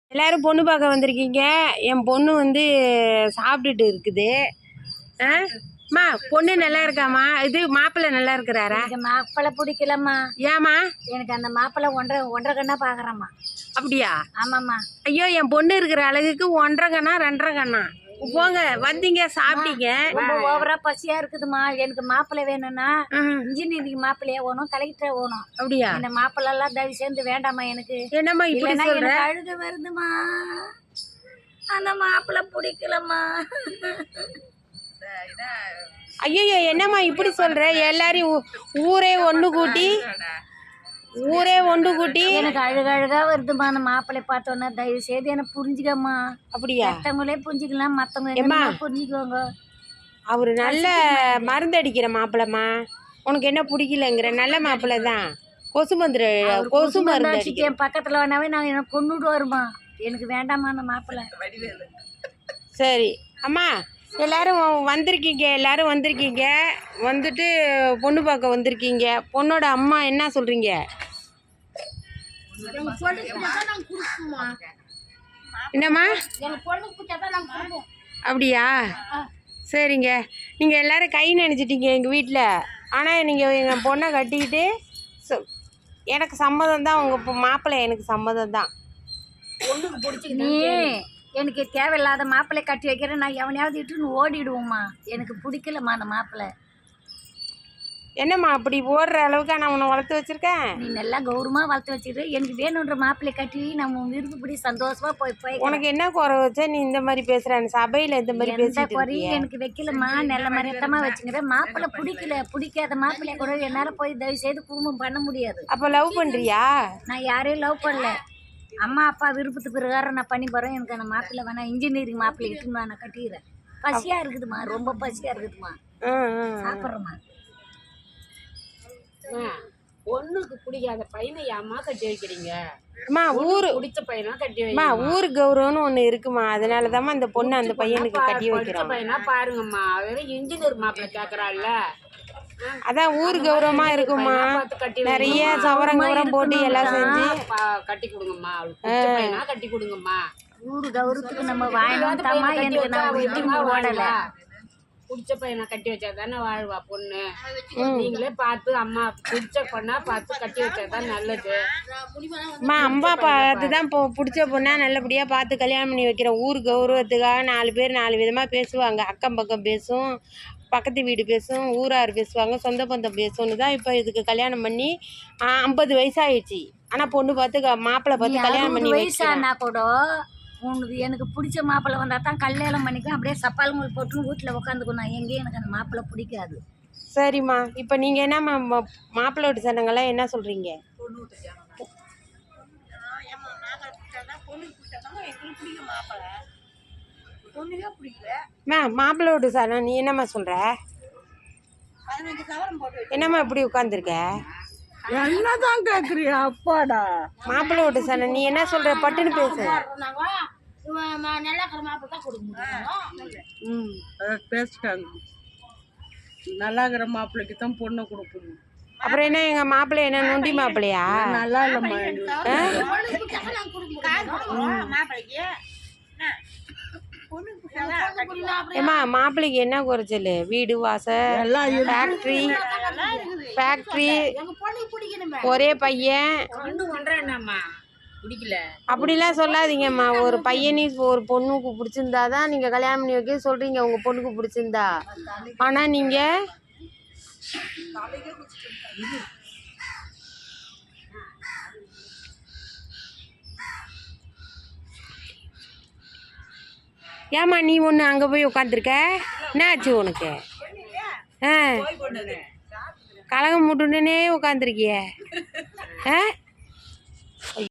எல்லாரும் பொண்ணு பார்க்க வந்திருக்கீங்க. என் பொண்ணு வந்து சாப்பிட்டுட்டு இருக்குது. அம்மா பொண்ணு நல்லா இருக்காம்மா? இது மாப்பிள்ளை நல்லா இருக்கிறாரா? எனக்கு மாப்பிள்ளை பிடிக்கலம்மா. ஏம்மா? எனக்கு அந்த மாப்பிள்ளை ஒன்றரை கண்ணா பார்க்குறேம்மா. அப்படியா? ஆமாம்மா. ஐயோ, என் பொண்ணு இருக்கிற அழகுக்கு 1.5 கண்ணா 2.5 கண்ணா? போங்க, வந்தீங்க சாப்பிட்டீங்க. ரொம்ப ஓவரா பசியா இருக்குதுமா. எனக்கு மாப்பிள்ளை வேணும்னா இன்ஜினியரிங் மாப்பிள்ளையா வேணும், கலெக்டரா வேணும். அப்படியா? இந்த மாப்பிள்ளை எல்லாம் தயவு சேர்ந்து வேண்டாமா எனக்கு. என்னம்மா இப்படி சொல்ற? அழுக வருதுமா. அந்த மாப்பிள்ளை பிடிக்கலம்மா. ஐயோ, என்னம்மா இப்படி சொல்ற? எல்லாரையும் ஊரே ஒன்று கூட்டி எனக்கு அழுகா வருதுமா. அந்த மாப்பிள்ளை பார்த்தோன்னா தயவு செய்து என்ன புரிஞ்சுக்கம்மா. அப்படியா? மற்றவங்களே புரிஞ்சுக்கலாம், மற்றவங்க புரிஞ்சுக்குவாங்க. அவரு நல்ல மருந்து அடிக்கிற மாப்பிள்ளம்மா. உனக்கு என்ன பிடிக்கலங்கிற? நல்ல மாப்பிள்ளை தான். கொசு மருந்து அடிக்க என் பக்கத்தில் வேணாவே நான் எனக்கு கொண்டுட்டு வருமா. எனக்கு வேண்டாமா அந்த மாப்பிள்ளை. சரி அம்மா, எல்லாரும் வந்திருக்கீங்க. வந்துட்டு பொண்ணு பார்க்க வந்திருக்கீங்க. பொண்ணோட அம்மா என்ன சொல்கிறீங்க? என்னம்மா? அப்படியா? சரிங்க. நீங்கள் எல்லோரும் கை நினைச்சிட்டீங்க எங்கள் வீட்டில். ஆனால் நீங்கள் எங்கள் பொண்ணை கட்டிக்கிட்டு எனக்கு சம்மதம் தான். உங்கள் மாப்பிள்ளை எனக்கு சம்மதம் தான். பொண்ணுக்கு பிடிச்சிக்கிட்டு எனக்கு தேவையில்லாத மாப்பிள்ளை கட்டி வைக்கிறேன். நான் எவனையாவது இட்டுன்னு ஓடிடுவோம்மா. எனக்கு பிடிக்கலம்மா அந்த மாப்பிள்ளை. என்னம்மா அப்படி ஓடுற அளவுக்கு நான் உன்னை வளர்த்து வச்சிருக்கேன்? நீ நல்லா கௌரவமாக வளர்த்து வச்சுட்டு எனக்கு வேணுன்ற மாப்பிள்ளை கட்டி நம்ம விருப்பப்படி சந்தோஷமா போய் உனக்கு என்ன குறை வச்சா நீ இந்த மாதிரி பேசுறேன்? சபையில் இந்த மாதிரி பேசிட்டு குறையும் எனக்கு வைக்கலம்மா. நல்ல மரியத்தமாக வச்சுக்கிறேன். மாப்பிள்ளை பிடிக்காத மாப்பிள்ளைய கூட என்னால் போய் தயவு செய்து குடும்பம் பண்ண முடியாது. அப்போ லவ் பண்ணுறியா? நான் யாரையும் லவ் பண்ணல. அம்மா அப்பா விருப்பத்து பிரகாரம் நான் பண்ணி போகிறேன். எனக்கு அந்த மாப்பிள்ளை வேணாம். இன்ஜினியரிங் மாப்பிள்ளை இட்டுன்னு நான் கட்டிக்கிறேன். பசியாக இருக்குதுமா, ரொம்ப பசியாக இருக்குதுமா. சாப்பிட்றேம்மா. பொண்ணுக்கு பிடிக்காத பையனை ஏமா கட்டி வைக்கிறீங்க? அம்மா ஊரு பிடிச்ச பையனா கட்டி வைமா. ஊர் கௌரவம்னு ஒன்று இருக்குமா, அதனாலதாம்மா அந்த பொண்ணு அந்த பையனுக்கு கட்டி வைக்கிறோம். பையனா பாருங்கம்மா, வெறும் இன்ஜினியர் மாப்பிள்ளை கேட்கறாள்ல. அதான் ஊர் கௌரவமா இருக்குமா. நிறைய சவரம் போட்டு எல்லாம் செஞ்சு கட்டி கொடுங்கம்மா. பிடிச்ச பையனா கட்டி கொடுங்கம்மா. ஊர் கௌரவத்துக்கு நம்ம வாங்கினோம்மா. எனக்கு நான் ஓடல. பிடிச்ச பையனை கட்டி வச்சா தானே வாழ்வா பொண்ணு. நீங்களே பார்த்து அம்மா பிடிச்ச பொண்ணா பார்த்து கட்டி வச்சாதான் நல்லது. அம்மா பார்த்து தான் பிடிச்ச பொண்ணா நல்லபடியாக பார்த்து கல்யாணம் பண்ணி வைக்கிறேன். ஊர் கௌரவத்துக்காக 4 பேர் 4 விதமாக பேசுவாங்க. அக்கம் பக்கம் பேசும், பக்கத்து வீடு பேசும், ஊரார் பேசுவாங்க, சொந்த பந்தம் பேசும்னு தான் இப்போ இதுக்கு கல்யாணம் பண்ணி 50 வயசாகிடுச்சு. ஆனால் பொண்ணு பார்த்து மாப்பிள்ளை பார்த்து கல்யாணம் பண்ணி வயசானா கூட உனக்கு எனக்கு பிடிச்ச மாப்பிள்ளை வந்தால் தான் கல்யாணம் பண்ணிக்கும். அப்படியே சப்பால்கள் போட்டு வீட்டில் உட்காந்துக்கணும். எங்கேயும் எனக்கு அந்த மாப்பிள்ளை பிடிக்காது. சரிம்மா, இப்போ நீங்கள் என்ன மாப்பிள்ளை வீட்டு சனங்கள்லாம் என்ன சொல்கிறீங்க? மாப்பிள்ளை வீட்டு சனம் நீ என்னம்மா சொல்கிற? என்னம்மா இப்படி உட்காந்துருக்க? என்னதான் கேக்குறியா? அப்பாடா, மாப்பிள்ளை வீட்டு சனம் நீ என்ன சொல்ற? பட்டுன்னு பேசு. பேசிட்டாங்க. நல்லா இருக்கிற மாப்பிள்ளைக்கு தான் பொண்ணை கொடுக்கணும். அப்புறம் என்ன எங்க மாப்பிள்ளை என்ன நொண்டி மாப்பிள்ளையா? நல்லா இல்லம்மா. ஏம்மா மாப்பிள்ளைக்கு என்ன குறைச்சல்? வீடு வாசல், ஃபேக்ட்ரி, ஒரே பையன். அப்படிலாம் சொல்லாதீங்கம்மா. ஒரு பையனையும் ஒரு பொண்ணுக்கு பிடிச்சிருந்தா தான் நீங்கள் கல்யாணம் பண்ணி வைக்க சொல்கிறீங்க. உங்கள் பொண்ணுக்கு பிடிச்சிருந்தா. ஆனால் நீங்கள் ஏம்மா நீ ஒன்று அங்கே போய் உட்காந்துருக்க? என்ன ஆச்சு உனக்கு? கலகம் முட்டுன்னே உட்காந்துருக்கிய.